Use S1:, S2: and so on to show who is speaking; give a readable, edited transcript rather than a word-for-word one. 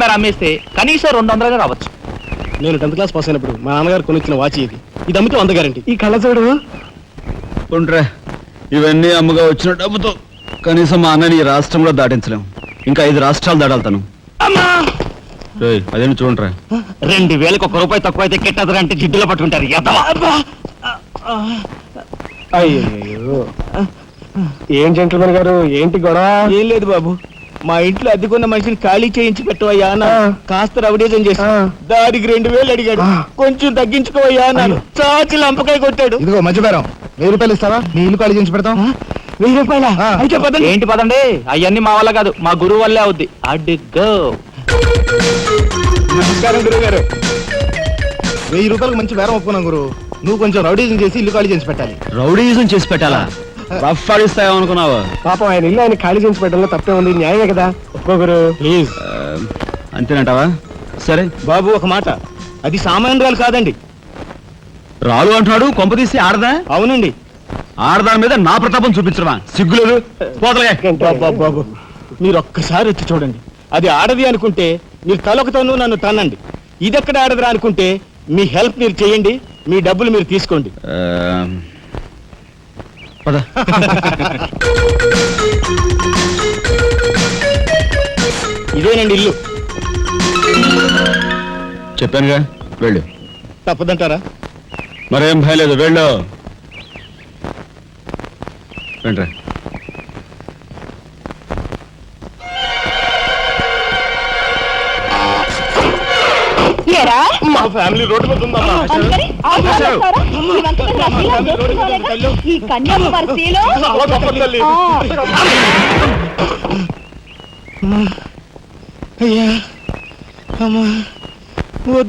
S1: మేర అమ్మేస్తే కనీసం 200 రావచ్చు.
S2: నేను 10th క్లాస్ పాస్ అయినప్పుడు మా నాన్నగారు కొనిచ్చిన వాచ్ ఇది అమ్మితే 100 గ్యారెంటీ. ఈ కళ్ళజోడు
S3: ఉంట్రా, ఇవన్నీ అమ్మగా వచ్చిన డబ్బుతో కనీసం మా అన్నని ఈ రాష్ట్రంలో దాటించలేం. ఇంకా 5 రాష్ట్రాలు దాడాలి. అదేంటి చూడరా,
S1: 2000కి 1 రూపాయి తక్కువ అయితే కెట్టదంటే జిడ్డులో పట్టుకుంటారు.
S2: అయ్యో, ఏం జెంట్లమన్ గారు, ఏంటి గొడవ?
S4: ఏం లేదు బాబు, మా ఇంట్లో అద్దెకున్న మనిషిని ఖాళీ చేయించి పెట్టవయ్యా అన్న. కాస్త రవిడేజం చేసి దానికి 2000 అడిగాడు. కొంచెం తగ్గించుకోవయ్యా అన్నాను. చాచి లంపకాయ కొట్టాడు.
S2: ఇదిగో మధ్యపేరం, 1000 రూపాయలు ఇస్తావా? నీ ఇల్లు ఖాళీ చేయించి పెడతాం.
S4: 1000 రూపాయల? అయితే పదండి.
S1: ఏంటి పదండి, అవన్నీ మా వల్ల కాదు, మా గురువు వల్లే అవుద్ది. అడ్డుగో.
S2: నమస్కారం గురువు గారు. 1000 రూపాయలకు మంచి బేరం ఒప్పుకున్నాం గురు. నువ్వు కొంచెం రౌడీజం చేసి ఇల్లు ఖాళీ చేసి పెట్టాలి.
S3: రౌడీజం చేసి పెట్టాలా? రఫ్ ఆడిస్తాయో అనుకున్నావా?
S2: పాపం ఆయన ఇల్లు ఆయన ఖాళీ చేసి పెట్టడంలో తప్పే ఉంది, న్యాయమే కదా. ఒప్పుకో గురు ప్లీజ్.
S3: అంతేనంటావా? సరే
S4: బాబు ఒక మాట, అది సామాన్యురాలు కాదండి.
S3: రాలు అంటున్నాడు, కొంపదీసి ఆడదా?
S4: అవునండి.
S3: ఆడదాని మీద నా ప్రతాపం చూపించడమా? సిగ్గులేదు.
S4: బాబు మీరు ఒక్కసారి వచ్చి చూడండి. అది ఆడది అనుకుంటే మీరు తలొకతోనూ నన్ను తన్నండి. ఇదెక్కడ ఆడదురా అనుకుంటే మీ హెల్ప్ మీరు చేయండి, మీ డబ్బులు మీరు తీసుకోండి.
S3: పద.
S4: ఇదేనండి ఇల్లు.
S3: చెప్పానుగా, వెళ్ళు.
S4: తప్పదంటారా?
S3: మరేం భయం లేదు, వెళ్ళు. వెంట్రా.
S2: మా ఫ్యామిలీ రోడ్డు మీద ఉందమ్మా.
S5: ఈ కన్యాకుమారి స్త్రీలో
S4: అయ్యా అమ్మా